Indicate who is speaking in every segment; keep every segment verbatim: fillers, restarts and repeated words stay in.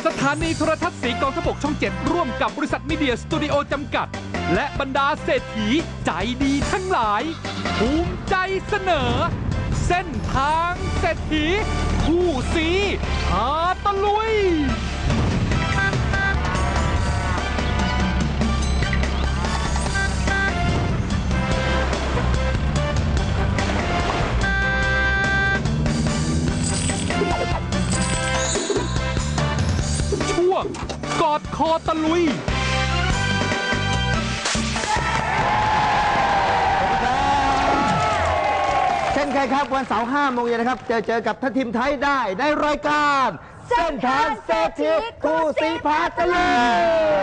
Speaker 1: สถานีโทรทัศน์สีกองทพบกช่องเจ็ดร่วมกับบริษัทมีเดียสตูดิโอจำกัดและบรรดาเศรษฐีใจดีทั้งหลายภูมิใจเสนอเส้นทางเศรษฐีคู่สีพาตะลุยช่วงกอดคอตะลุย
Speaker 2: เช่นเคยครับวันเสาร์ห้าโมงเย็นนะครับเจอเจอกับทัพทีมไทยได้ในรายการเส้นทางเศรษฐีคู่สีพาตะลุย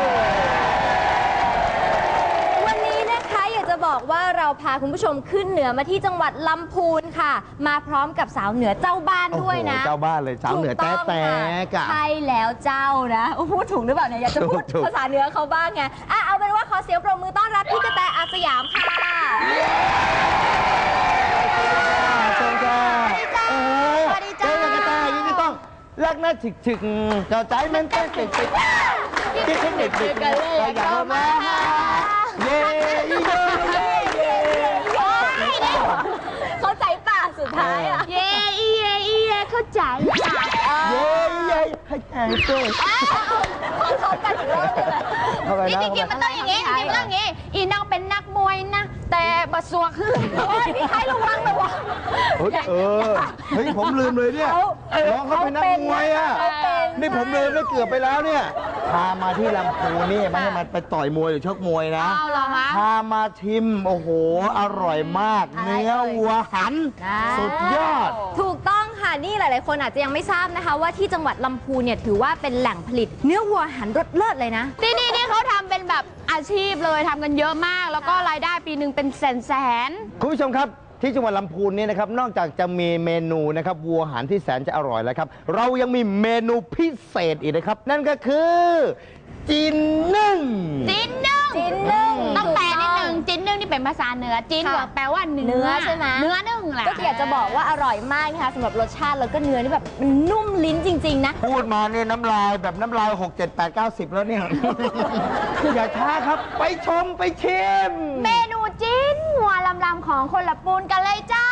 Speaker 3: วันนี้นะคะอยากจะบอกว่าเราพาคุณผู้ชมขึ้นเหนือมาที่จังหวัดลำพูนค่ะมาพร้อมกับสาวเหนือเจ้าบ้านด้วยนะ
Speaker 2: เจ้าบ้านเลยสาวเหนือแต๊ะแต๊ะ
Speaker 3: ใช่แล้วเจ้านะพูดถูกหรือเปล่าเนี่ยอยากจะพูดภาษาเหนือเขาบ้างไงอ่ะเอาเป็นว่าขอเสียงปรบมือต้อนรับพี่กระแตอาสยามค่ะ
Speaker 2: สวัสดีจ้าสวัสดีจ้าเจ้ากระต่ายยิ่งต้องรักน่าถึกถึกเจ้าใจมันเต้นตึกตึกที่เทคนิคตึกกันเลยอยากมาเย้เย้เย้เย้
Speaker 3: เข้าใจป่ะสุดท้ายอ่ะ
Speaker 4: เย้อีเย้อีเย้เข้าใจ
Speaker 2: เย้เย้ให้ใจเต้น
Speaker 3: เข้ากันอีกรอบเลย
Speaker 4: นี่จริงๆมันต้องอย่างงี้จริงๆมันต้องอย่างงี้อีน้องเป็นนักมวยนะแต่บะสวกคือ
Speaker 3: พี่ไทยระวังระวัง
Speaker 2: เออเฮ้ยผมลืมเลยเนี่ยน้องเขาเป็นนักมวยอ่ะนี่ผมลืมแล้วเกือบไปแล้วเนี่ยพามาที่ลำพูนนี่ไม่ให้มันไปต่อยมวยหรือชกมวยนะพามาชิมโอ้โหอร่อยมากเนื้อวัวหันสุดยอด
Speaker 3: ถูกต้องค่ะนี่หลายๆคนอาจจะยังไม่ทราบนะคะว่าที่จังหวัดลำพูนเนี่ยถือว่าเป็นแหล่งผลิตเนื้อวัวหันรสเลิศเลยนะ
Speaker 4: ที่นี่นี่เขาทำเป็นแบบอาชีพเลยทำกันเยอะมากแล้วก็รายได้ปีหนึ่งเป็นแสนแสน
Speaker 2: คุณผู้ชมครับที่จังหวัดลำพูนนี่นะครับนอกจากจะมีเมนูนะครับวัวหันที่แสนจะอร่อยแล้วครับเรายังมีเมนูพิเศษอีกนะครับนั่นก็คือจีนนึ่ง
Speaker 4: จีนนึ่ง
Speaker 3: จีนนึ่ง
Speaker 4: ต้องแปลนิดนึงจีนนึ่งนี่เป็นภาษาเหนือจีนแปลว่าเนื้อ
Speaker 3: ใช่ไหม
Speaker 4: เนื้อนึ่งแหละ
Speaker 3: ก็อยากจะบอกว่าอร่อยมากนะคะสำหรับรสชาติแล้วก็เนื้อนี่แบบมันนุ่มลิ้นจริงๆนะ
Speaker 2: พูดมาเนี่ยน้ำลายแบบน้ำลายหก เจ็ด แปด เก้า สิบแล้วเนี่ยอย่าช้าครับไปชมไปชิม
Speaker 4: เมนูจีนหัวลำๆของคนละปูนกันเลยจ้า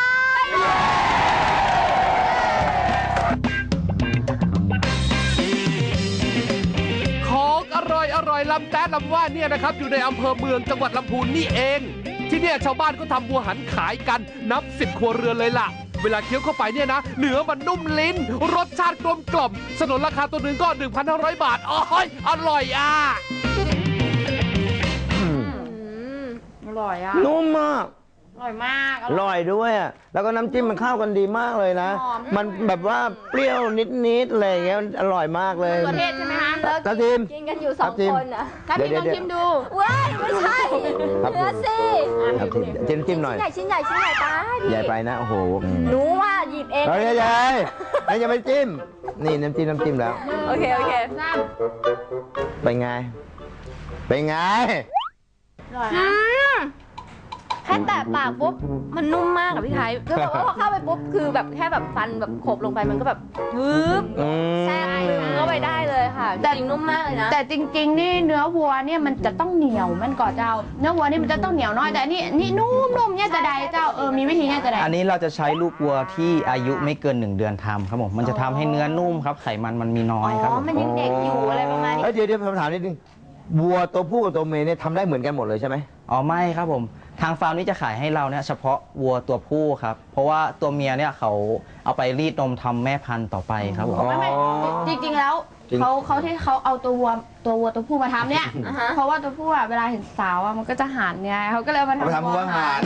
Speaker 1: ของอร่อยอร่อยลำแต๊ะลำว่าเนี่ยนะครับอยู่ในอำเภอเมืองจังหวัดลำพูนนี่เองที่เนี่ยชาวบ้านก็ทำวัวหันขายกันนับสิบครัวเรือนเลยล่ะเวลาเคี้ยวเข้าไปเนี่ยนะเนื้อมันนุ่มลิ้นรสชาติกลมกล่อมสนนราคาตัวหนึ่งก็ หนึ่งพันห้าร้อย บาทอ๋อยอร่อยอ่ะ
Speaker 4: อร่อยอ่ะ
Speaker 2: นุ่มมาก
Speaker 4: อร่อยมาก
Speaker 2: อร่อยด้วยอ่ะแล้วก็น้ำจิ้มมันเข้ากันดีมากเลยนะมันแบบว่าเปรี้ยวนิดๆอะไรอย่างเงี้ยอร่อยมากเลย
Speaker 4: ประเทศใช่ไหมคะ
Speaker 2: กระทิม
Speaker 3: กินกันอยู่สองคนอ่ะ
Speaker 4: กระทิมลองชิมดู
Speaker 3: ว้ายไม่ใช่เนื้อสิ
Speaker 2: จิ้มจิ้มหน่อย
Speaker 3: ชิ้นใหญ่ชิ้นใหญ่ชิ้นใหญ่ตา
Speaker 2: ใหญ่ไปนะโอ้โห
Speaker 3: หนูว่าหยิบเอง
Speaker 2: ใหญ่ใหญ่ไม่ยังไม่จิ้มนี่น้ำจิ้มน้ำจิ้มแล้ว
Speaker 3: โอเคโอเค
Speaker 2: เป็นไงเป็นไง
Speaker 3: อร่อยนะแค่แตะปากปุ๊บมันนุ่มมากอะพี่ไทยคือแบบว่าพอเข้าไปปุ๊บคือแบบแค่แบบฟันแบบขบลงไปมันก็แบบฮึบแทรกลึงเข้าไปได้เลยค่ะแต่จริงนุ่มมากเลยนะ
Speaker 4: แต่จริงๆนี่เนื้อวัวเนี่ยมันจะต้องเหนียวมันก่อนเจ้าเนื้อวัวนี่มันจะต้องเหนียวน้อยแต่นี่นี่นุ่มๆเนี่ยจะได้เจ้าเออมีวิธีเนี่ยจะได้
Speaker 5: อันนี้เราจะใช้ลูกวัวที่อายุไม่เกินหนึ่งเดือนทำครับผมมันจะทำให้เนื้อนุ่มครับไขมันมันมีน้อยครับ
Speaker 3: อ๋อมันยังเด็กอยู่อะไรประมาณนี้
Speaker 2: เดี๋ยวเดี๋ยวผมถามนิดนึงวัวตัวผู้กับตัวเมียเนี่ยทำได้เหมือนกันหมดเลยใช่ไหม
Speaker 5: อ๋อไม่ครับผมทางฟาร์มนี้จะขายให้เราเนี่ยเฉพาะวัวตัวผู้ครับเพราะว่าตัวเมียเนี่ยเขาเอาไปรีดนมทำแม่พันธุ์ต่อไปครับผม
Speaker 4: ไม่ไม่จริงๆแล้วเขาเขาที่เขาเอาตัววัวตัววัวตัวผู้มาทำเนี่ยเพราะว่าตัวผู้อะเวลาเห็นสาวอะมันก็จะหันไงเขาก็เลยมาทำ
Speaker 2: วัวหัน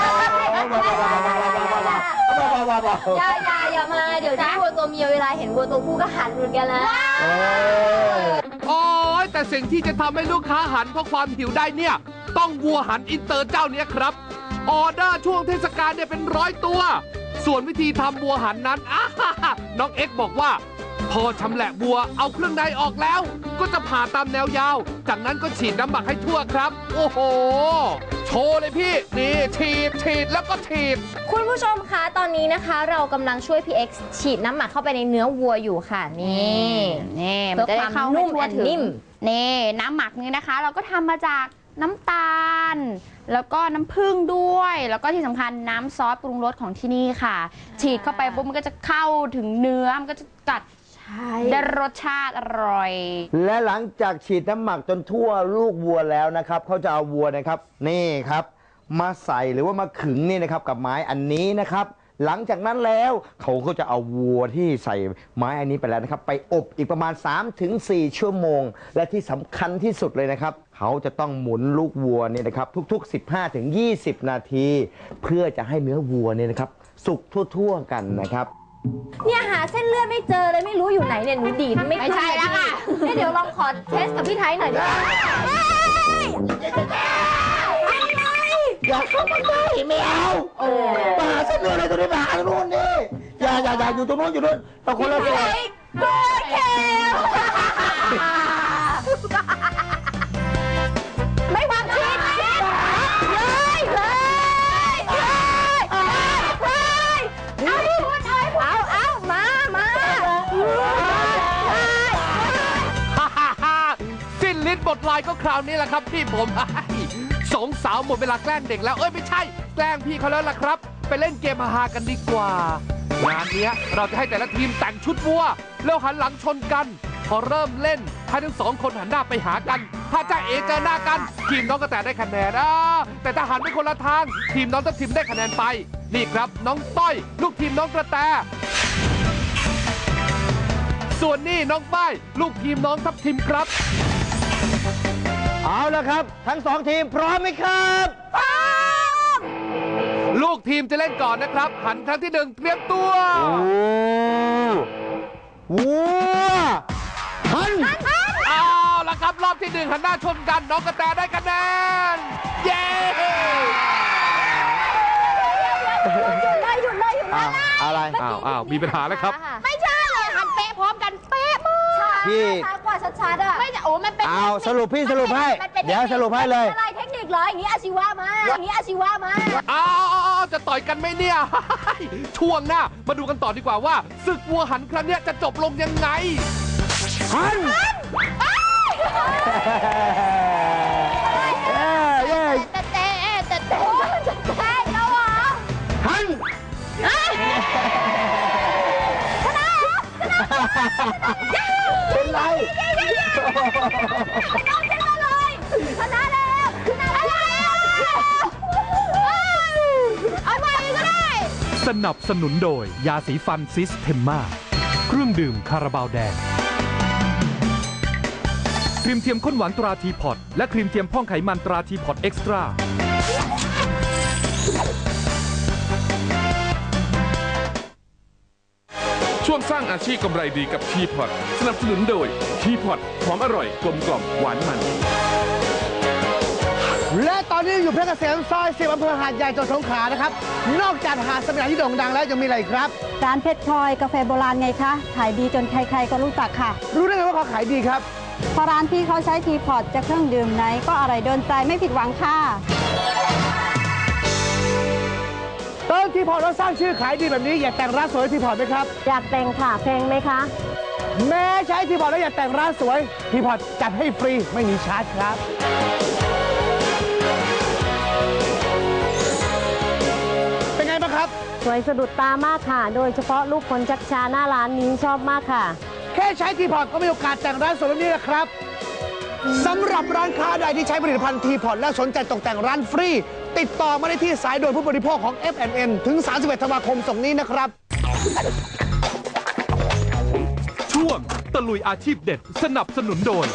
Speaker 3: อย่าอย่าอย่ามาเดี๋ยวที่วัวตัวเมียเวลาเห็นวัวตัวผู้ก็หันเหมือนกันนะ
Speaker 1: โอ้ยแต่สิ่งที่จะทำให้ลูกค้าหันเพราะความหิวได้เนี่ยต้องวัวหันอินเตอร์เจ้านี้ครับออเดอร์ช่วงเทศกาลเนี่ยเป็นร้อยตัวส่วนวิธีทำวัวหันนั้นน้องเอ็กบอกว่าพอชำแหละวัวเอาเครื่องในออกแล้ว ก็จะผ่าตามแนวยาว จากนั้นก็ฉีดน้ำหมักให้ทั่วครับ โอ้โห โชว์เลยพี่ นี่ฉีดฉีดแล้วก็ฉีด
Speaker 3: คุณผู้ชมคะตอนนี้นะคะ เรากำลังช่วยพี่เอ็กซ์ฉีดน้ำหมักเข้าไปในเนื้อวัวอยู่ค่ะนี่
Speaker 4: นี่
Speaker 3: เพื่
Speaker 4: มัน
Speaker 3: อ
Speaker 4: จะ
Speaker 3: ค
Speaker 4: ได้
Speaker 3: วาม
Speaker 4: เข้า
Speaker 3: นุ่
Speaker 4: ให้
Speaker 3: ม
Speaker 4: ทั่ว
Speaker 3: แอน
Speaker 4: ถึง
Speaker 3: นิ่ม
Speaker 4: นี่น้ำหมักนี้นะคะ เราก็ทำมาจากน้ำตาล แล้วก็น้ำผึ้งด้วย แล้วก็ที่สำคัญน้ำซอสปรุงรสของที่นี่ค่ะ ฉีดเข้าไปปุ๊บมันก็จะเข้าถึงเนื้อมันก็จะกัดได้รสชาติอร่อย
Speaker 2: และหลังจากฉีดน้ำหมักจนทั่วลูกวัวแล้วนะครับเขาจะเอาวัวนะครับนี่ครับมาใส่หรือว่ามาขึงนี่นะครับกับไม้อันนี้นะครับ หลังจากนั้นแล้วเขาก็จะเอาวัวที่ใส่ไม้อันนี้ไปแล้วนะครับไปอบอีกประมาณ สามถึงสี่ ชั่วโมง และที่สำคัญที่สุดเลยนะครับเขาจะต้องหมุนลูกวัวเนี่ยนะครับทุกๆ สิบห้าถึงยี่สิบ นาที เพื่อจะให้เนื้อวัวเนี่ยนะครับสุกทั่วๆกันนะครับ
Speaker 3: เนี่ยหาเส้นเลือดไม่เจอเลยไม่รู้อยู่ไหนเนี่ยหนูดีดไม่
Speaker 4: ไม่ใช่แล้วค่ะ
Speaker 3: เนี่ยเดี๋ยวลองขอเทสกับพี่ไทยหน่อยดิ
Speaker 2: อย่าเข้ามาใกล้ไม่เอามาหาเส้นเลือดอะไรตรงนี้มาหาตรงนู้นนี่อย่าอย่าอย่าอยู่ตรงนู้นอยู่นู้นเราคนละส่วน
Speaker 3: โอเคไม่วางชีสชีสเลยเลยเลยเลยเอาดิพูดเอาเอาเอามามา
Speaker 1: ฮ่าฮ่าฮ่าสิ้นลิ้นบทลายก็คราวนี้แหละครับพี่ผม สองสาวหมดเวลาแกล้งเด็กแล้วเอ้ยไม่ใช่แกล้งพี่เขาแล้วล่ะครับไปเล่นเกมฮาๆกันดีกว่างานเนี้ยเราจะให้แต่ละทีมแต่งชุดวัวแล้วหันหลังชนกัน พอเริ่มเล่นให้ทั้งสองคนหันหน้าไปหากันถ้าจ้าเอเจอหน้ากันทีมน้องกระแตได้คะแนนอ่าแต่ถ้าหันไปคนละทางทีมน้องทัพทิมได้คะแนนไปนี่ครับน้องต้อยลูกทีมน้องกระแตส่วนนี่น้องป้ายลูกทีมน้องทัพทิมครับ
Speaker 2: เอาละครับทั้งสองทีมพร้อมไหมครับพร้อม
Speaker 1: ลูกทีมจะเล่นก่อนนะครับ หันครั้งที่หนึ่งเตรียมตัว
Speaker 2: โอ้วัวหัน
Speaker 1: เอาละครับรอบที่หนึ่งหันหน้าชนกันน้องกระแตได้คะแนนเย้
Speaker 3: หยุดเลยหยุดเลยหยุดเลย
Speaker 2: อะไร
Speaker 1: อ้าวอ้าวมีปัญหาแล้วครับ
Speaker 4: ไม่ใช่เลยหันเป๊ะพร้อมกันเป๊ะมาก
Speaker 2: พี่
Speaker 3: ช้ากว่าชัดๆอ่ะ
Speaker 4: ไม่จะโอ้มันเป็น
Speaker 2: เอาสรุปพี่สรุปให้เดี๋ยวสรุปให้เลย
Speaker 3: อะไรเทคนิคเหรออย่างนี้อาชีวะมาอย่างนี้อาชีวะมา
Speaker 1: อ้าวจะต่อยกันไหมเนี่ย ช่วงหน้ามาดูกันต่อดีกว่าว่าศึกวัวหันครั้งเนี้ยจะจบลงยังไง
Speaker 2: หันเย้เย้
Speaker 4: แต่เต้แต่เต้
Speaker 3: ใช่แล้วเหรอ
Speaker 2: หันเป็นไร
Speaker 3: ชนะแล้วชนะแล้ว
Speaker 4: เอาใหม่ก็ได้
Speaker 1: สนับสนุนโดยยาสีฟันซิสเทมมาเครื่องดื่มคาราบาวแดงครีมเทียมข้นหวานตราทีพอตและครีมเทียมพ่องไขมันตราทีพอตเอ็กซ์ตร้าช่วงสร้างอาชีพกำไรดีกับทีพอตสนับสนุนโดยทีพอตหอมอร่อยกลมกล่อมหวานมัน
Speaker 6: และตอนนี้อยู่เพชรเกษมซอยสิบอำเภอหาดใหญ่จังหวัดสงขลานะครับ นอกจากหาดสมิลาที่โด่งดังแล้วยังมีอะไรอีกครับ
Speaker 7: ร้านเพชรพลอยกาแฟโบราณไงคะ ขายดีจนใครๆก็รู้จักค่ะ
Speaker 6: รู้ได้ไงว่าเขาขายดีครับ
Speaker 7: เพราะร้านพี่เขาใช้ทีพอตจะเครื่องดื่มไหนก็อร่อยโดนใจไม่ผิดหวังค่ะ
Speaker 6: ตอนทีพอร์ตเราสร้างชื่อขายดีแบบนี้อยากแต่งร้านสวยทีพอร์ตไหมครับ
Speaker 7: อยากแต่งค่ะเพลงไหมคะ
Speaker 6: แม้ใช้ทีพอร์ตแล้วอยากแต่งร้านสวยทีพอร์ตจัดให้ฟรีไม่มีชาร์จครับ เป็นไงบ้างครับ
Speaker 7: สวยสะดุดตามากค่ะ โดยเฉพาะลูกคนชักชาหน้าร้านนี้ชอบมากค่ะ
Speaker 6: แค่ใช้ทีพอร์ตก็มีโอกาสแต่งร้านสวยแบบนี้นะครับสำหรับร้านค้าใดที่ใช้ผลิตภัณฑ์ทีพอร์ตและสนใจตกแต่งร้านฟรี ติดต่อมาได้ที่สายด่วนผู้บริโภคของ เอฟ แอนด์ เอ็น ถึง สามสิบเอ็ด ธันวาคมส่งนี้นะครับ
Speaker 1: ช่วงตะลุยอาชีพเด็ดสนับสนุนโดย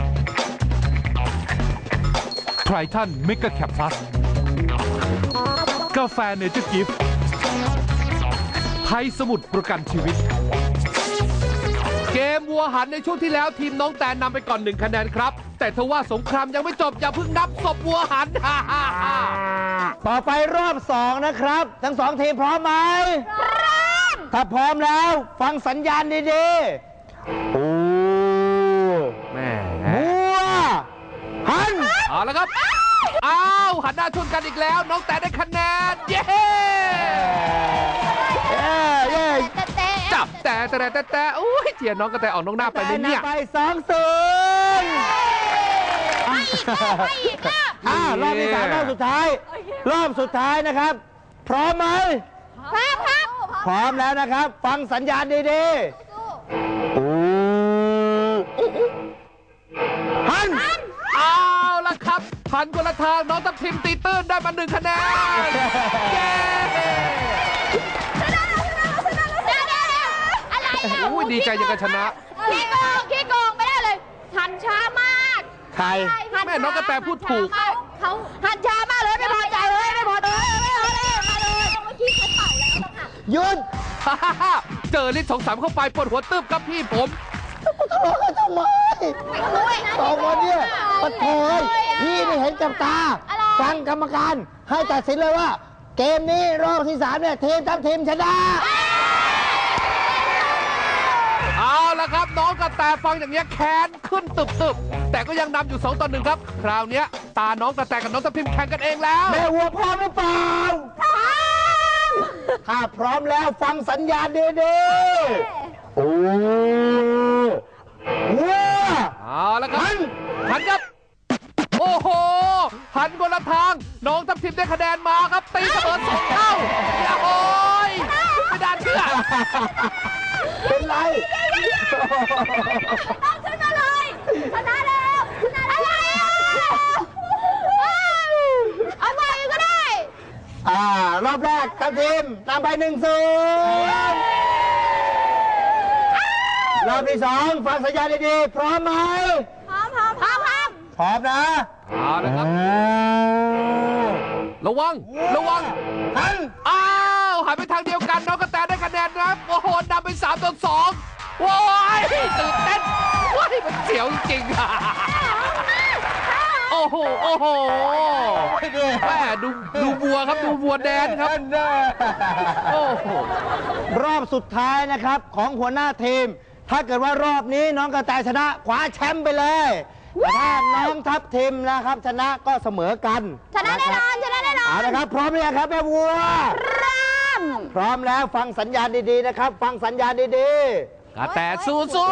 Speaker 1: ไทรทันเมกะแคปพลัสกาแฟเนเจอร์กิฟต์ไทยสมุทรประกันชีวิต เกมวัวหันในช่วงที่แล้วทีมน้องแตนนำไปก่อนหนึ่งคะแนนครับ แต่ทว่าสงครามยังไม่จบอย่าเพิ่งนับศพวัวหัน
Speaker 2: ต่อไปรอบสองนะครับ ทั้งสองทีมพร้อมไหมพร้อมถ้าพร้อมแล้วฟังสัญญาณดีๆ
Speaker 1: แล้วครับอ้าวหันหน้าชนกันอีกแล้วน้องแต่ได้คะแนนเย้
Speaker 2: เย้เย้
Speaker 1: จับแต่แต่แต่แต่โอ้ยเจียน้องกระแตออกน้องหน้าไปเลยเนี่ย
Speaker 2: ไปสองศูนย์อ่ารอบที่สามรอบสุดท้าย รอบสุดท้ายนะครับ พร้อมไหม
Speaker 3: พร้อมครับ
Speaker 2: พร้อมแล้วนะครับ ฟังสัญญาณดีๆอู้หัน
Speaker 1: เอาละครับหันคนละทางน้องทัพทิมตีตื้นได้มาหนึ่งคะแนนเย้
Speaker 3: อะไรอ่ะ
Speaker 1: อุ้ยดีใจยังกับชนะ
Speaker 3: ขี้โกงขี้โกงไม่ได้เลย หันช้ามาก
Speaker 2: ใคร
Speaker 1: แม่น้องกระแตพูดถูก
Speaker 3: เขาหันช้ามากเลยไม่พอใจเลยไม่พอใจเลยไม่พอใจมาเลยเมื่อกี้เขาเป่าแล้วต้องหัน
Speaker 2: หยุด
Speaker 1: เจอลิ้นสองสามเข้าไปปวดหัวตึบครับพี่ผม
Speaker 2: ทะเลาะกันทำไมสองคนเนี่ยปะโถยพี่นี่เห็นกับตา ฟังกรรมการให้ตัดสินเลยว่า เกมนี้รอบที่สามเนี่ยทีมทัพทีมชนะ
Speaker 1: เอาละครับน้องกระแตฟังอย่างเงี้ยแค้นขึ้นตึบตึบแต่ก็ยังนำอยู่สองต่อหนึ่งครับ คราวเนี้ยตาน้องกระแตกับน้องทัพทิมแข่งกันเองแล้ว
Speaker 2: แม่วัวพร้อมหรือเปล่าพร้อมถ้าพร้อมแล้วฟังสัญญาณดีๆโอ้วัว
Speaker 1: เอาละครับ
Speaker 2: หัน
Speaker 1: หันครับ โอ้โห หันคนละทาง น้องทัพทิมได้คะแนนมาครับ ตีเสมอสองเท่าโอ้ยไม่ได้เชื่อ
Speaker 2: เป็นไร
Speaker 3: ต้องชนะเลยชนะแล้วชนะอะไรอ่ะเอาใหม่ก็ได้
Speaker 2: อ่ารอบแรกทัพทีมนำไปหนึ่งศูนย์รอบที่สองฟังสัญญาณดีๆพร้อมไหม
Speaker 3: พร้อมพร้อมพร้อมพร้อม
Speaker 2: พร้อมนะ
Speaker 1: เอาละครับ ระวัง ระวัง
Speaker 2: หัน
Speaker 1: อ้าวหันไปทางเดียวกันน้องกระแตได้คะแนนนะครับโอ้โหนำไปสามต่อสองว้ายตื่นเต้นว้ายมันเสียวจริงๆอะโอ้โหโอ้โหแม่ดูดูวัวครับดูวัวแดนครับโอ้โห
Speaker 2: รอบสุดท้ายนะครับของหัวหน้าทีม ถ้าเกิดว่ารอบนี้น้องกระแตชนะคว้าแชมป์ไปเลยแต่ถ้าน้องทัพทีมนะครับชนะก็เสมอกัน
Speaker 3: ชนะแน่นอนชนะแน่นอน
Speaker 2: เอาละครับพร้อมหรือยังครับแม่วัว
Speaker 3: เริ่ม
Speaker 2: พร้อมแล้วฟังสัญญาณดีๆนะครับ ฟังสัญญาณดี
Speaker 1: กระแตสู้สู้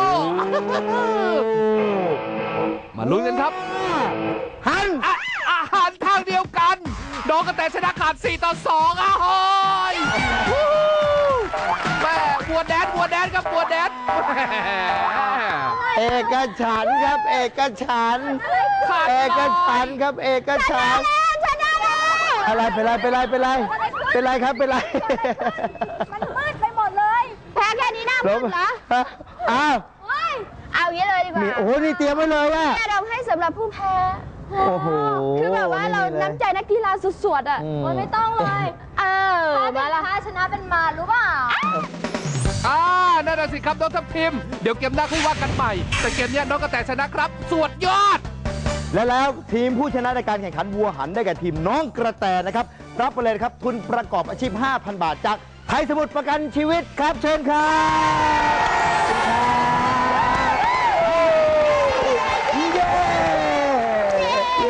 Speaker 2: ๆ
Speaker 1: มาลุ้นกันครับ
Speaker 2: หัน
Speaker 1: อ่ะอาหารทางเดียวกันน้องกระแตชนะขาดสี่ต่อสองอ่ะโอ้ยวู้แม่บัวแดนบัวแดนครับบัวแดนแหม
Speaker 2: เอกฉันท์ครับ เอกฉันท์
Speaker 1: ขาด
Speaker 2: เอกฉันท์ครับ เอกฉันท์
Speaker 3: ชนะแล้ว
Speaker 2: อะไรเป็นไรเป็นไรเป็นไรเป็นไรครับเป็นไร
Speaker 3: มันมืดไปหมดเลยแพ้แค่นี้หน้ามืดเหรอ
Speaker 2: อ้าว
Speaker 3: โอ้ยเอาอย่างนี้เลยดีกว่า
Speaker 2: มีโอ้โหนี่เตรียมไว้เลยอะ
Speaker 3: แม่เราให้สำหรับผู้แพ้
Speaker 2: โอ้โห
Speaker 3: คือแบบว่าเราน้ำใจนักกีฬาสุดๆอ่ะ
Speaker 2: อืม
Speaker 3: โอ้ยไม่ต้องเลย เออมาละถ้าชนะเป็นมารู้เปล่า
Speaker 1: อ่านั่นน่ะสิครับน้องทัพทิมเดี๋ยวเกมหน้าค่อยว่ากันใหม่ แต่เกมเนี้ยน้องกระแตชนะครับสวดยอด
Speaker 2: และแล้วทีมผู้ชนะในการแข่งขันวัวหันได้แก่ทีมน้องกระแตนะครับ รับไปเลยนะครับทุนประกอบอาชีพ ห้าพัน บาทจากไทยสมุทรประกันชีวิตครับเชิญครับเย้เย้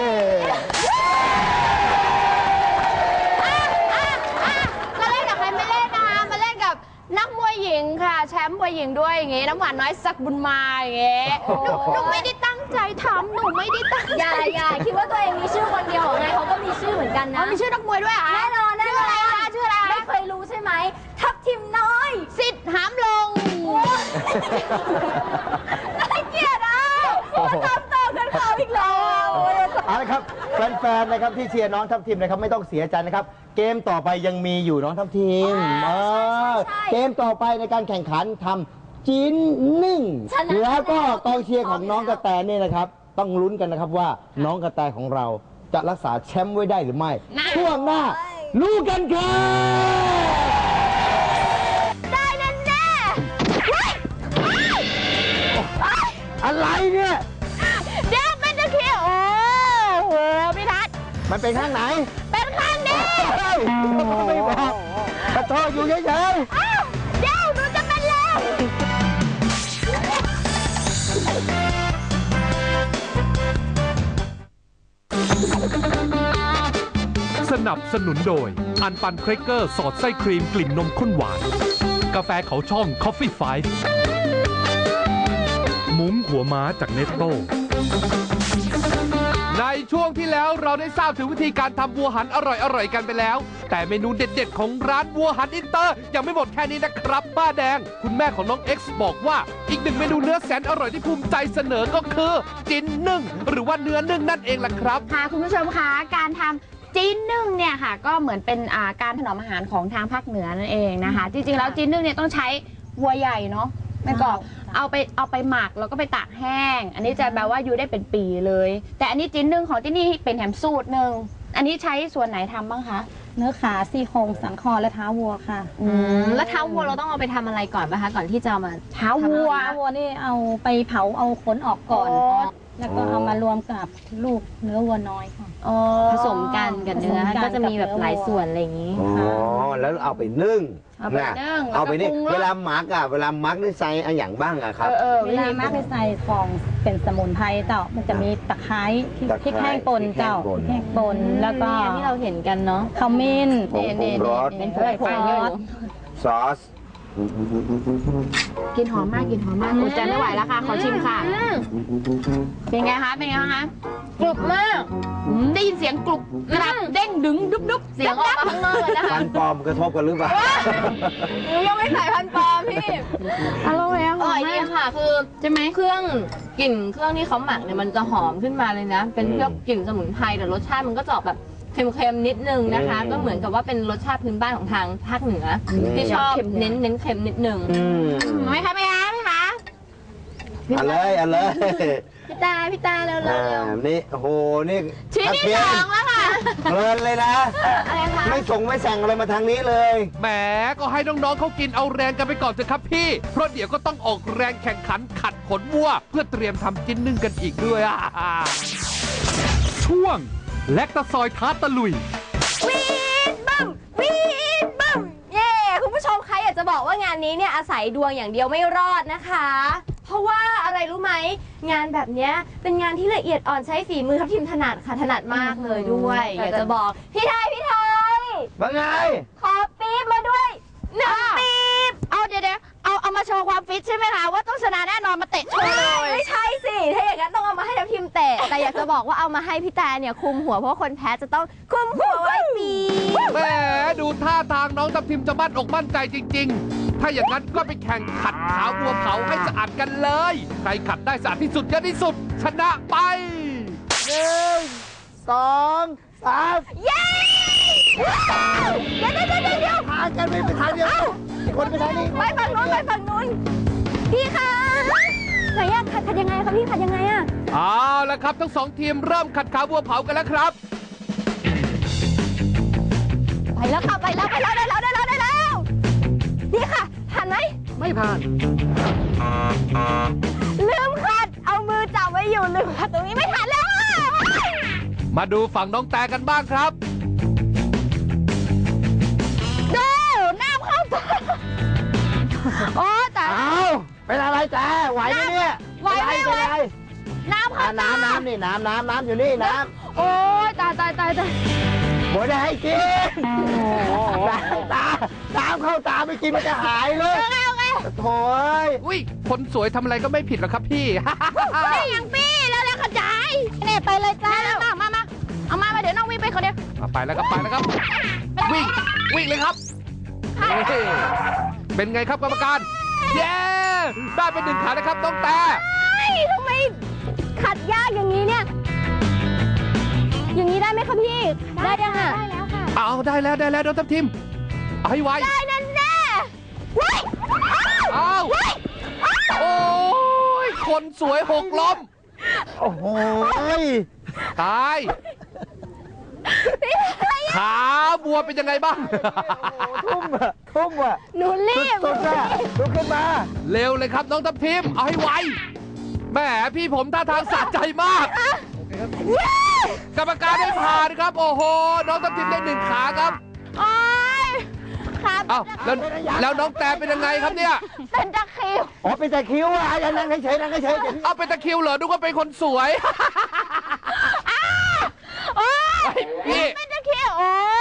Speaker 4: มาเล่นกับใครไม่เล่นนะคะมาเล่นกับนักมวยหญิงค่ะ แชมป์มวยหญิงด้วยอย่างงี้น้ำหวานน้อยสักบุญมาอย่างงี้หนูหนูไม่ได้ตั้งใจทำหนูไม่ได้ตั้งใจ
Speaker 3: อย่าอย่าคิดว่าตัวเองมีชื่อคนเดียวไงเขาก็มีชื่อเหมือนกันนะ
Speaker 4: เขามีชื่อนักมวยด้วยเหรอคะ
Speaker 3: แน่นอนแน่
Speaker 4: ชื่อน
Speaker 3: อ
Speaker 4: อะไร
Speaker 3: น
Speaker 4: คะชื่ออะไร
Speaker 3: ไม่เคยรู้ใช่ไหมทับทิมน้อย
Speaker 4: สิทธิ์หามลง
Speaker 3: น่าเกลียดอ่ะมาทำต่อกันเขาอีกแล้ว
Speaker 2: เอาละครับแฟนๆนะครับที่เชียร์น้องทัพทีมนะครับไม่ต้องเสียใจนะครับ เกมต่อไปยังมีอยู่น้องทัพทีมเออเกมต่อไปในการแข่งขันทำจิ้นนึ่งแล้วก็กองเชียร์ของน้องกระแตนี่นะครับ ต้องลุ้นกันนะครับว่าน้องกระแตของเราจะรักษาแชมป์ไว้ได้หรือไม่ ช่วงหน้ารู้กันครับ
Speaker 3: ได้แน่แน่
Speaker 2: อะไรเนี่ย
Speaker 4: เดี๋ยวเป็นตะเคียนโอ้โหพี่ทัศน์
Speaker 2: มันเป็นข้างไหน
Speaker 4: เป็นข้างนี้
Speaker 2: เฮ้ยไม่บอกกระโทษอยู่เฉย
Speaker 4: อ้าวเดี๋ยวหนูจะเป็นแล้ว
Speaker 2: ๆ
Speaker 1: นับสนุนโดย อันปันเครกเกอร์สอดไส้ครีมกลิ่นนมข้นหวาน กาแฟเขาช่อง Coffee Five มุ้งหัวม้าจากเนสโตในช่วงที่แล้วเราได้ทราบถึงวิธีการทำวัวหันอร่อยๆกันไปแล้ว แต่เมนูเด็ดๆของร้านวัวหันอินเตอร์ยังไม่หมดแค่นี้นะครับป้าแดงคุณแม่ของน้อง X บอกว่าอีกหนึ่งเมนูเนื้อแสนอร่อยที่ภูมิใจเสนอก็คือจิ้นนึ่งหรือว่าเนื้อนึ่งนั่นเองล่ะครับ
Speaker 4: ค่ะคุณผู้ชมคะการทำจีนนึ่งเนี่ยค่ะก็เหมือนเป็นอ่าการถนอมอาหารของทางภาคเหนือนั่นเองนะคะ จริงๆแล้วจีนนึ่งเนี่ยต้องใช้วัวใหญ่เนาะแม่กอบเอาไปเอาไปหมักแล้วก็ไปตากแห้ง อันนี้จะแปลว่าอยู่ได้เป็นปีเลย แต่อันนี้จีนนึ่งของที่นี่เป็นแถมสูตรหนึ่งอันนี้ใช้ส่วนไหนทำบ้างคะ
Speaker 7: เนื้อขาซี่โครงสันคอและเท้าวัวค่ะ
Speaker 3: อืมแล้วเท้าวัวเราต้องเอาไปทำอะไรก่อนป่ะคะก่อนที่จะเอามา
Speaker 4: เท้าวัว
Speaker 7: เท้าวัวนี่เอาไปเผาเอาขนออกก่อน
Speaker 4: อ๋อ
Speaker 7: แล้วก็เอามารวมกับลูกเนื้อวัวน้อยค่ะ
Speaker 3: อ๋อผสมกันกับเนื้อ
Speaker 7: ผสมกัน
Speaker 3: ก็จะมีแบบหลายส่วนอะไรอย่างนี้
Speaker 2: อ๋อ แล้วเอาไปนึ่ง
Speaker 4: เอาไปนึ่ง
Speaker 2: เอาไปนี่
Speaker 4: แล้วก็ปรุงรส
Speaker 2: เวลาหมักอะเวลาหมักได้ใส่อะไรอย่างบ้างอะครับ
Speaker 4: เออเออ
Speaker 7: เวลามักได้ใส่ของเป็นสมุนไพรเจ้ามันจะมีตะไคร้พริก
Speaker 2: ตะไคร้
Speaker 7: พริกแห้งป่นเจ้า
Speaker 2: พ
Speaker 7: พ
Speaker 2: ริ
Speaker 7: ริ
Speaker 2: ก
Speaker 7: ก
Speaker 2: แห้
Speaker 7: แห้
Speaker 2: ง
Speaker 7: ง
Speaker 2: ป่
Speaker 7: ป่
Speaker 2: น
Speaker 7: นแล้วก็
Speaker 3: นี่ที่เราเห็นกันเนาะ
Speaker 7: ขมิ้น
Speaker 2: ผงปรุงรส
Speaker 7: เป็น
Speaker 3: เปิดไฟเยอะอยู่
Speaker 2: ซอส
Speaker 4: กินหอมมากกินหอมมากอดใจไม่ไหวแล้วค่ะ ขอชิมค่ะ เป็นไงคะ เป็นไงคะ
Speaker 3: กรุบมาก
Speaker 4: อืมได้ยินเสียงกรุบกรับเด้งดึงดุบดุบ
Speaker 3: เสียงออกมาข้างนอกเลยนะคะ
Speaker 2: ฟันปลอมกระทบกันหรือเปล่า
Speaker 3: หนูยังไม่ใส่พันปลอมพี่
Speaker 4: อร่อยอะ
Speaker 3: อร่อยดีค่ะ คือใช่ไหมเครื่องกลิ่นเครื่องที่เขาหมักเนี่ยมันจะหอมขึ้นมาเลยนะ เป็นเครื่องกลิ่นสมุนไพรแต่รสชาติมันก็จะออกแบบเค็มๆนิดนึงนะคะ
Speaker 2: อืม
Speaker 3: ก็เหมือนกับว่าเป็นรสชาติพื้นบ้านของทางภาคเหนืออ
Speaker 2: ม
Speaker 3: ที่ชอบเน้นเน้นเค็มนิดนึง
Speaker 2: อืม
Speaker 4: ไม่คะไม่คะไม่คะ
Speaker 2: เอะไรอะไร
Speaker 3: พี่ตาพี่ตาเร็วๆ
Speaker 2: อ่า
Speaker 3: เร็ว
Speaker 2: นี่โอ้โห นี่
Speaker 4: ชิ้นที่สองแล้วค่ะ
Speaker 2: เพลินเลยนะ
Speaker 3: อะไรคะ
Speaker 2: ไม่ส่งไม่สั่งอะไรมาทางนี้เลย
Speaker 1: แหมก็ให้น้องๆเขากินเอาแรงกันไปก่อนเถอะครับพี่ เพราะเดี๋ยวก็ต้องออกแรงแข่งขันขัดขนวัว เพื่อเตรียมทำจิ้นนึ่งกันอีกด้วยอ่ะช่วงแลคตาซอยท้าตะลุย
Speaker 3: วีดบึ้มวีดบึ้มเย่คุณผู้ชมคะอยากจะบอกว่างานนี้เนี่ยอาศัยดวงอย่างเดียวไม่รอดนะคะ เพราะว่าอะไรรู้ไหมงานแบบเนี้ยเป็นงานที่ละเอียดอ่อนใช้ฝีมือทัพทีมถนัดค่ะถนัดมากเลยด้วยอยากจะบอกพี่ไทยพี่ไทย
Speaker 2: ว่าไง
Speaker 3: ขอปี๊บมาด้วยหนึ่งปี๊บ
Speaker 4: เอาเดี๋ยวเดี๋ยวเอาเอามาโชว์ความฟิตใช่ไหมคะว่าต้องชนะแน่นอนมาเตะโชว์เลย
Speaker 3: ไม่ใช่สิถ้าอย่างนั้นต้องเอามาให้ทัพทีมเตะแต่อยากจะบอกว่าเอามาให้พี่แต่เนี่ยคุมหัวเพราะว่าคนแพ้จะต้องคุมหัวไว้ปี๊บ
Speaker 1: แหมดูท่าทางน้องทัพทิมจะมั่นอกมั่นใจจริง ๆ ถ้าอย่างนั้นก็ไปแข่งขัดขาวัวเผาให้สะอาดกันเลย ใครขัดได้สะอาดที่สุดเยอะที่สุด ชนะไป
Speaker 2: หนึ่ง สองสาม
Speaker 3: เย้เดี๋ยวเดี๋ยวเดี๋ยวเดี๋ยว
Speaker 2: พากันไปไปทางเดียวคนไปทางนี้
Speaker 3: ไปฝั่งนู้นไปฝั่งนู้นพี่คะไหนอะขัดขัดยังไงคะพี่ขัดยังไงอะ
Speaker 1: เอาละครับทั้งสองทีมเริ่มขัดขาวัวเผากันแล้วครับ
Speaker 3: ไปแล้วค่ะไปแล้วไปแล้วได้แล้วได้แล้วได้แล้วนี่ค่ะผ่านไหม
Speaker 1: ไม่ผ่าน
Speaker 3: ลืมขัดเอามือจับไว้อยู่ลืมขัดตรงนี้ไม่ทันแล้วอะ
Speaker 1: มาดูฝั่งน้องแต่กันบ้างครับ
Speaker 4: ดูน้ำเข้าตาโอ้แต่
Speaker 2: เอาเป็นอะไรจ๊ะไหวไหมเนี่ย
Speaker 4: ไหวไหม
Speaker 2: เป็นไร
Speaker 4: น้ำ
Speaker 2: อ่ะ
Speaker 4: เข้าตา
Speaker 2: น้ำน้ำนี่น้ำน้ำน้ำอยู่นี่น้
Speaker 4: โอ้ยตายตายตายตาย
Speaker 2: ำบ่ได้ให้กินน้ำตาน้ำเข้าตาไม่กินมันจะหายเลยโถ่ย
Speaker 1: อุ้ยคนสวยทำอะไรก็ไม่ผิดหรอกครับพี่
Speaker 4: นี่ยังปี้แล้วแล้วขจายเนี่ยไปเลยจ้ามามามาเอามามาเดี๋ยวน้องวิ่งไปคนเดียว
Speaker 1: อ่ะไปแล้วครับไปแล้วครับ วิ่งวิ่งเลยครับนี่เป็นไงครับกรรมการ เย้ได้เป็นหนึ่งขานะครับน้องแต่
Speaker 3: เฮ้ยทำไมขัดยากอย่างนี้เนี่ย อย่างนี้ได้ไหมคะพี่ ได้ยังอะ
Speaker 4: ได้แล้วค่ะ
Speaker 1: เอาได้แล้วได้แล้วน้องทัพทิมเอาให้ไว
Speaker 3: ได้นั่นแน่ว้าย
Speaker 1: เอาโอ้ยคนสวยหกล้ม
Speaker 2: โอ้โหย
Speaker 1: ตายขาบัวเป็นยังไงบ้าง
Speaker 2: ทุ่มอะทุ่มอะ
Speaker 3: หนูรีบ
Speaker 2: สุดๆอะลุกขึ้นมา
Speaker 1: เร็วเลยครับน้องทัพทิมเอาให้ไวแหมพี่ผมท่าทางสะใจมาก กรรมการได้ผ่านครับ โอ้โห น้องทัพทิมได้หนึ่งขาครับ
Speaker 4: โอ้ยครับ
Speaker 1: เอ้าแล้วแล้วน้องแต่เป็นยังไงครับเนี่ย
Speaker 4: เป็นตะคริว
Speaker 2: อ๋อเป็นแต่คิ้วอะอย่านั่งเฉยๆนั่งเฉยๆเดี๋ยว
Speaker 1: เอาเป็นตะคริวเหรอดูว่าเป็นคนสวย
Speaker 4: โอ้ย
Speaker 1: เฮ้ยพี่
Speaker 4: เป็นตะคริวโอ้ย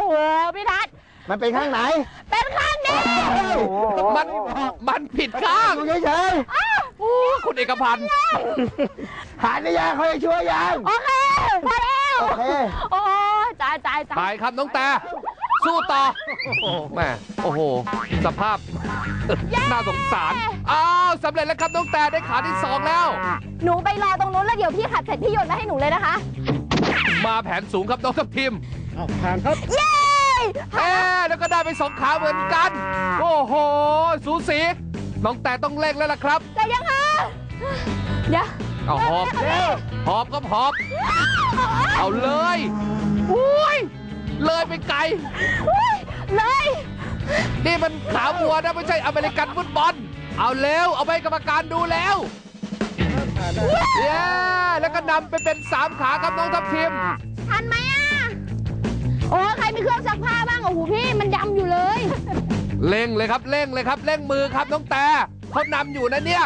Speaker 4: โหพี่ทัศน์
Speaker 2: มันเป็นข้างไหน
Speaker 4: เป็นข้างนี้
Speaker 1: มันมันผิดข้าง
Speaker 2: อยู่เฉย
Speaker 1: โอ้คุณเอกพันธ์
Speaker 2: ๆหายในยาเขาจะช่วยยัง
Speaker 4: โอเคพอแล้ว
Speaker 2: โอเค
Speaker 4: โอ้ยตายตายตาย
Speaker 1: ไปครับน้องแต่สู้ต่อแม่โอ้โห สภาพ น่าสงสารอ้าวสำเร็จแล้วครับน้องแต่ได้ขาที่สองแล้ว
Speaker 3: หนูไปรอตรงนู้นแล้วเดี๋ยวพี่ขัดเสร็จพี่โยนมาให้หนูเลยนะคะ
Speaker 1: มาแผนสูงครับน้องทัพทิม
Speaker 6: เอาผ่านครับ
Speaker 3: เย้
Speaker 1: เอ๊ะแล้วก็ได้ไปสองขาเหมือนกัน โอ้โห สูสีน้องแต่ต้องเร่งแล้วล่ะครับ
Speaker 3: แต่ยังคะเดี๋ยว
Speaker 1: เอาหอบหอบก็หอบ เอาเลยอุ้ยเลยไปไกล
Speaker 3: เลย
Speaker 1: นี่มันขาวัวนะไม่ใช่อเมริกันฟุตบอล เอาเร็ว เอาไปกรรมการดูแล้วเย้แล้วก็นำไปเป็นสามขาครับน้องทัพทิม
Speaker 4: ทันไหมอ่ะ โอ้ใครมีเครื่องซักผ้าบ้างโอ้โหพี่มันดำอยู่เลย
Speaker 1: เร่งเลยครับเร่งเลยครับเร่งมือครับน้องแต่เขานำอยู่นะเนี่ย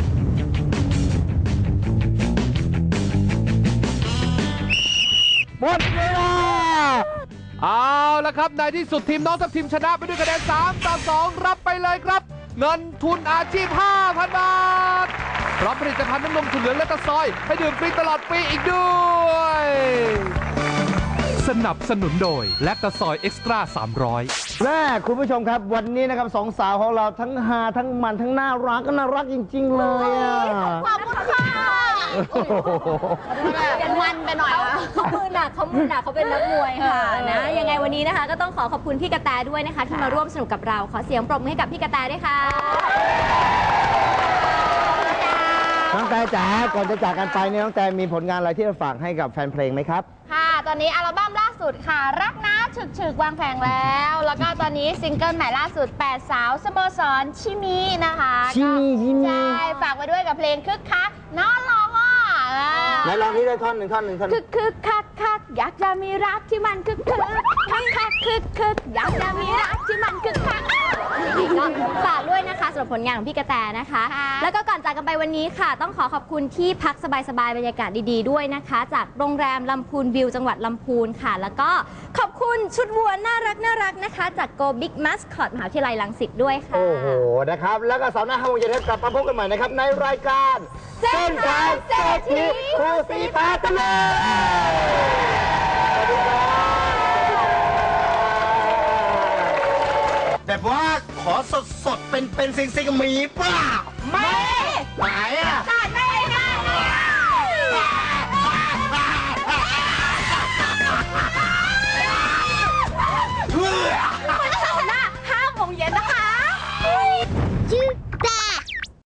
Speaker 1: หมดเวลาเอาละครับในที่สุดทีมน้องทัพทีมชนะไปด้วยคะแนนสามต่อสองรับไปเลยครับ เงินทุนอาชีพ ห้าพัน บาทพร้อมผลิตภัณฑ์น้ำนมถั่วเหลืองและตะซอย ให้ดื่มฟรีตลอดปีอีกด้วย สนับสนุนโดยแลคตาซอยเอ็กซ์ตร้าสามร้อย
Speaker 2: แม่คุณผู้ชมครับวันนี้นะครับสองสาวของเราทั้งฮาทั้งมันทั้งน่ารักก็น่ารักจริง ๆ เลยอ่ะ
Speaker 4: ขอบคุณค่ะเป็นมันไปหน่อยอะ
Speaker 3: เขามือหนักเขามือหนักเขาเป็นนักมวยค่ะนะยังไงวันนี้นะคะ ก็ต้องขอขอบคุณพี่กระแตด้วยนะคะ ที่มาร่วมสนุกกับเราขอเสียงปรบมือให้กับพี่กระแตด้วยค่ะ
Speaker 2: น้องแต่จ๋าก่อนจะจากกันไปเนี่ยน้องแต่มีผลงานอะไรที่จะฝากให้กับแฟนเพลงไหมครับ
Speaker 4: ค่ะ ตอนนี้อัลบั้มล่าสุดค่ะ รักนะฉึกฉึกวางแผงแล้ว แล้วก็ตอนนี้ซิงเกิลใหม่ล่าสุดแปดสาวสโมสรชิมินะคะ
Speaker 2: ชิมิชิมิ
Speaker 4: ใช่ฝากไว้ด้วยกับเพลงคึกคักน้องร้องอ่ะ
Speaker 2: ไหนลองนี้ได้ท่อนหนึ่งท่อนหนึ่งท่อนห
Speaker 3: คึ
Speaker 2: นึ่ง
Speaker 3: กคึกคักคักอยากจะมีรักที่มันคึกคึกคักคักคึกคึกอยากจะมีรักที่มันคึกคักก็ฝากด้วยนะคะสำหรับผลงานของพี่กระแตนะคะ แล้วก็ก่อนจากกันไปวันนี้ค่ะ ต้องขอขอบคุณที่พักสบายๆบรรยากาศดีๆด้วยนะคะ จากโรงแรมลำพูนวิวจังหวัดลำพูนค่ะ แล้วก็ขอบคุณชุดวัวน่ารักน่ารักนะคะ จาก Go Big Mascot มหาวิทยาลัยรังสิตด้วยค่ะ
Speaker 2: โอ้โหนะครับ แล้วก็เสาร์หน้าห้าโมงเย็นกลับมาพบกันใหม่นะครับในรายการ
Speaker 3: เส้นทางเศรษฐี
Speaker 2: ครูสีฟ้าทะเลแบบว่าขอสดสดๆเป็นเป็นซิงซิงมีเปล่า
Speaker 4: ไม่